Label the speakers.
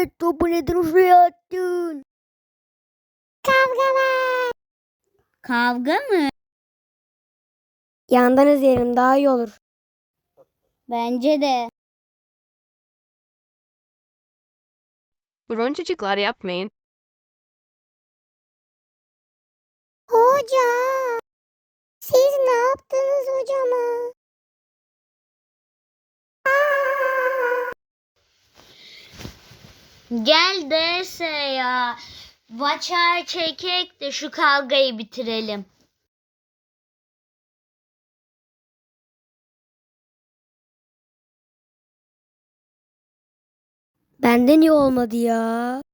Speaker 1: topu neden şuraya attın?
Speaker 2: Kavga var.
Speaker 3: Kavga mı?
Speaker 1: Yandan izleyelim daha iyi olur.
Speaker 3: Bence de.
Speaker 4: Durun çocuklar, yapmayın.
Speaker 2: Hoca. Siz ne yaptınız hocama?
Speaker 3: Gel derse ya. Vaçar çekek de şu kavgayı bitirelim.
Speaker 1: Benden iyi olmadı ya.